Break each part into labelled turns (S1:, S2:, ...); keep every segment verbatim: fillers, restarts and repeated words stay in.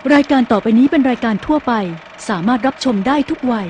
S1: รายการต่อไปนี้เป็นรายการทั่วไปสามารถรับชมได้ทุกวัย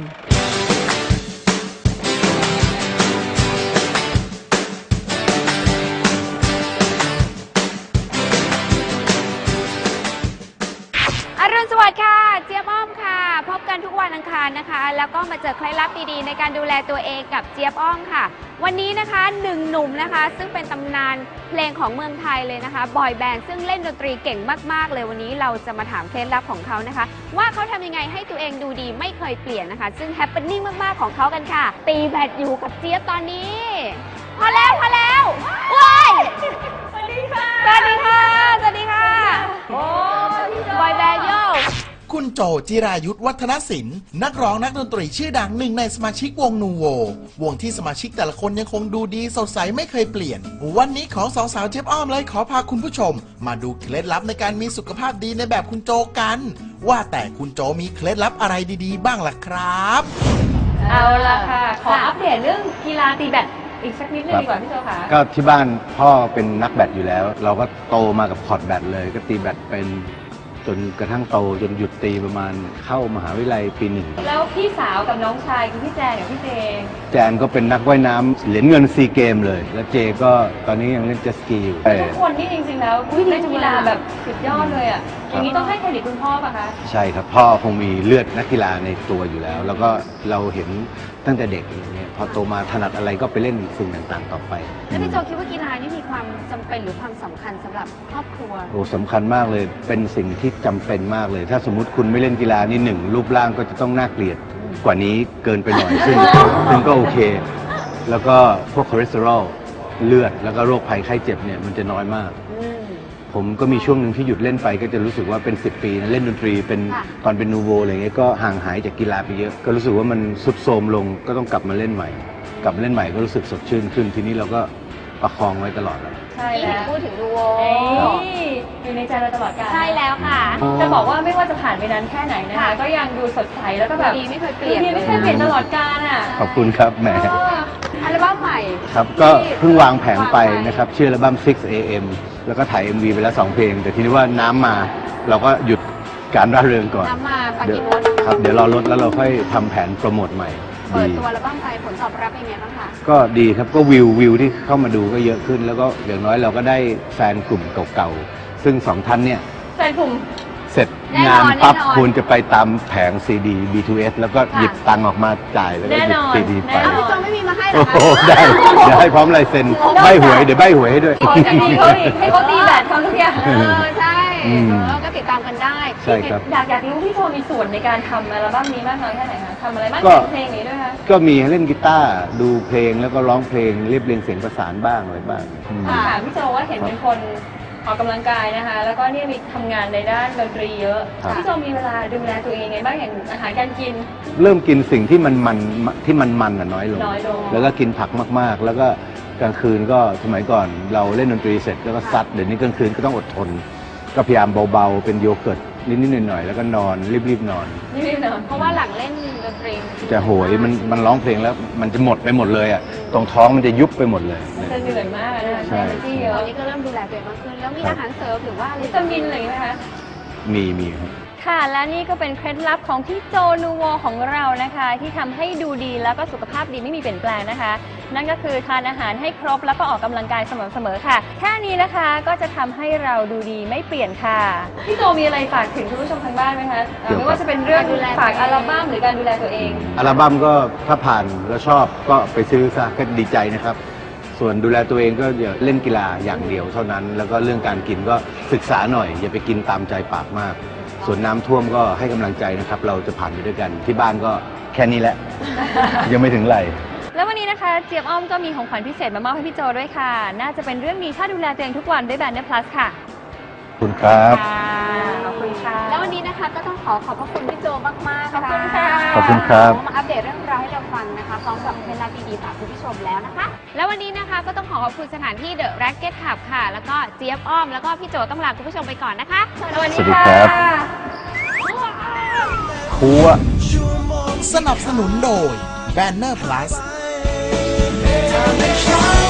S2: อรุณสวัสดิ์ค่ะเจี๊ยบอ้อมค่ะพบกันทุกวันอังคารนะคะแล้วก็มาเจอเคล็ดลับดีๆในการดูแลตัวเองกับเจี๊ยบอ้อมค่ะวันนี้นะคะหนึ่งหนุ่มนะคะซึ่งเป็นตำนานเพลงของเมืองไทยเลยนะคะบอยแบนด์ซึ่งเล่นดนตรีเก่งมากๆเลยวันนี้เราจะมาถามเคล็ดลับของเขานะคะว่าเขาทำยังไงให้ตัวเองดูดีไม่เคยเปลี่ยนนะคะซึ่งแฮปปี้นิ่งมากๆของเขากันค่ะตีแบดอยู่กับเจี๊ยบตอนนี้พอแล้วพอแล้วว้ายสวัสดีค่ะสวัสดีค่ะสวัสดีค่ะโอ้บอยแบนด์โย
S3: คุณโจจิรายุทธวัฒนศิลป์นักร้องนักดนตรีชื่อดังหนึ่งในสมาชิกวงนูโววงที่สมาชิกแต่ละคนยังคงดูดีสดใสไม่เคยเปลี่ยนวันนี้ของสองสาวเจี๊ยบอ้อมเลยขอพาคุณผู้ชมมาดูเคล็ดลับในการมีสุขภาพดีในแบบคุณโจกันว่าแต่คุณโจมีเคล็ดลับอะไรดีๆบ้างล่ะครับ
S2: เอาล่ะค่ะขออัปเดตเรื่องกีฬาตีแบดอีกสักนิดนึงดีกว่าพี่โจค่ะ
S4: ก็ที่บ้านพ่อเป็นนักแบดอยู่แล้วเราก็โตมากับคอร์ตแบดเลยก็ตีแบดเป็นจนกระทั่งโตจนหยุดตีประมาณเข้ามหาวิทยาลัยปีหนึ่ง
S2: แล้วพี่สาวกับน้องชายคือพี่แจนกับพี่เจ
S4: แจนก็เป็นนักว่ายน้ำเหรียญเงินซีเกมเลยแล้วเจก็ตอนนี้ยังเล่นเจ็ตสกีอยู่
S2: ทุกคนนี่จริงๆแล้วเล่นกีฬาแบบสุดยอดเลยอ่ะอย่างนี้ต้องให้เครดิตคุณพ่อป่ะคะ
S4: ใช่ครับพ่อคงมีเลือดนักกีฬาในตัวอยู่แล้วแล้วก็เราเห็นตั้งแต่เด็กอย่างเงี้ยพอโตมาถนัดอะไรก็ไปเล่นสิ่งต่างๆต่อไป
S2: แล้วพี่โจคิดว่ากีฬานี่มีความจำเป็นหรือความสำคัญสำหรับครอบครัว
S4: โอ้สำคัญมากเลยเป็นสิ่งที่จำเป็นมากเลยถ้าสมมุติคุณไม่เล่นกีฬานี่หนึ่งรูปร่างก็จะต้องน่าเกลียดกว่านี้เกินไปหน่อยซึ่งซึ่งก็โอเคแล้วก็พวกคอเลสเตอรอลเลือดแล้วก็โรคภัยไข้เจ็บเนี่ยมันจะน้อยมากผมก็มีช่วงหนึ่งที่หยุดเล่นไปก็จะรู้สึกว่าเป็นสิบปีนะเล่นดนตรีเป็นตอนเป็นนูโวอะไรเงี้ยก็ห่างหายจากกีฬาไปเยอะก็รู้สึกว่ามันสุดโทรมลงก็ต้องกลับมาเล่นใหม่กลับมาเล่นใหม่ก็รู้สึกสดชื่นขึ้นทีนี้เราก็ประคองไว้ตลอดแล้ว
S2: ใช่แล้วพูดถึงนูโวอยู่ในใจเราตลอดกาล
S5: ใช่แล้วค่ะ
S2: จะบอกว่าไม่ว่าจะผ่านไปนานแค่ไหนนะคะก็ยังดูสดใสแล้วก็แบบดีไม่เคยเปลี่ยนไม่เคยเปลี่ยนตลอดกาลอ่ะ
S4: ขอบคุณครับแหม
S2: อัลบั้มใหม่
S4: ครับก็เพิ่งวางแผงไปนะครับชื่ออัลบั้ม ซิกซ์ เอ เอ็ม แล้วก็ถ่าย เอ็ม วี ไปแล้วสองเพลงแต่ทีนี้ว่าน้ำมาเราก็หยุดการร่าเริงก่อน
S2: น้ำมาปากินรถ
S4: ครับเดี๋ยวรอรถแล้วเราค่อยทำแผนโปรโมทใหม่
S2: เปิดตัวอัลบั้มไปผลตอบรับเป็นไงบ้างคะ
S4: ก็ดีครับก็วิววิวที่เข้ามาดูก็เยอะขึ้นแล้วก็อย่างน้อยเราก็ได้แฟนกลุ่มเก่าๆซึ่งสองท่านเนี่ย
S2: แฟนกลุ่ม
S4: เสร็จงานปั๊บคุณจะไปตามแผงซีดี บี ทู เอส แล้วก็หยิบตังค์ออกมาจ่ายแล้วก็หยิบซีดีไป
S2: พี่โจไม่มีมาให้หรอคะ
S4: ได้เดี๋ยวให้พร้อมลายเซ็นใบหวยเดี๋ยวใบหวยให้ด้วย
S2: ขอจะมีเขาอีกให้เขาตีแบดทำทุกอย่างเออใช่แล้วก็ติดตามกันได้
S4: ใช่ครับ
S2: อยากอยากรู้พี่โจมีส่วนในการทำอัลบั้มนี้มากน้อยแค่ไหนคะทำอะไรบ้างเพลงนี้ด้วยคะ
S4: ก็มีเล่นกีตาร์ดูเพลงแล้วก็ร้องเพลงเรียบเรียงเสียงประสานบ้างอะไรบ้าง
S2: ถามพี่โจว่าเห็นเป็นคนออกกำลังกายนะคะแล้วก็เนี่ยมีทำงานในด้านดนตรีเยอะพี่โจมีเวลาดูแลตัวเองไงบ้างอย่างอาหารการกิน
S4: เริ่มกินสิ่งที่มันมันที่มันมันน้อยลง
S2: น้อยลง
S4: แล้วก็กินผักมากๆแล้วก็กลางคืนก็สมัยก่อนเราเล่นดนตรีเสร็จแล้วก็ซัดเดี๋ยวนี้กลางคืนก็ต้องอดทนก็พยายามเบาๆเป็นโยเกิร์ตนิดๆหน่อยๆแล้วก็นอนรีบๆนอน
S2: รีบๆนอนเพราะว่าหลังเล่นดนตรี
S4: จะโหยมันมันร้องเพลงแล้วมันจะหมดไปหมดเลยอ่ะตรงท้องมันจะยุบไปหมดเลย
S2: จะเหนื่อยมากนะใช่ที่เยอะตอนนี้ก็เริ่มดูแลตัวเองมากขึ้นแล้วมีอาหารเสริมหรือว่าวิตามินอะไรไหมคะ
S4: มีมีครับ
S5: ค่ะและนี่ก็เป็นเคล็ดลับของพี่โจนูโวของเรานะคะที่ทำให้ดูดีแล้วก็สุขภาพดีไม่มีเปลี่ยนแปลงนะคะนั่นก็คือทานอาหารให้ครบแล้วก็ออกกำลังกายสม่ำเสมอค่ะแค่นี้นะคะก็จะทำให้เราดูดีไม่เปลี่ยนค่ะ
S2: พี่โจมีอะไรฝากถึงคุณผู้ชมทางบ้านไหมคะไม่ว่าจะเป็นเรื่องฝากอัลบั้มหรือการดูแลตัวเอง
S4: อัลบั้มก็ถ้าผ่านแล้วชอบก็ไปซื้อซะก็ดีใจนะครับส่วนดูแลตัวเองก็อย่าเล่นกีฬาอย่างเดียวเท่านั้นแล้วก็เรื่องการกินก็ศึกษาหน่อยอย่าไปกินตามใจปากมากส่วนน้ำท่วมก็ให้กำลังใจนะครับเราจะผ่านไปด้วยกันที่บ้านก็แค่นี้แหละ ยังไม่ถึงไหล
S5: แล้ววันนี้นะคะเจี๊ยบอ้อมก็มีของขวัญพิเศษมามอบให้พี่โจด้วยค่ะน่าจะเป็นเรื่องนี้ถ้าดูแลตัวเองทุกวันด้วยแบนเนอร์พลัสค่ะ
S4: ขอบคุณครับ
S2: ขอบคุณค่ะแล้ววันนี้นะคะก็ต้องขอขอบพระคุณพี่โจมากๆ
S5: ขอบคุณค่ะ
S4: ขอบคุณครับ
S2: มาอัปเดตเรื่องราวให้เราฟังนะคะพร้อมกับเคล็ดลับดีๆฝากคุณผู้ชมแล้วนะคะ
S5: แล้ววันนี้นะคะก็ต้องขอขอบคุณสถานที่ The Racket Club ค่ะแล้วก็เจี๊ยบอ้อมแล้วก็พี่โจต้องลาคุณผู้ชมไปก่อนนะคะ
S4: สวัสดีครับครัว
S3: สนับสนุนโดย Banner Plus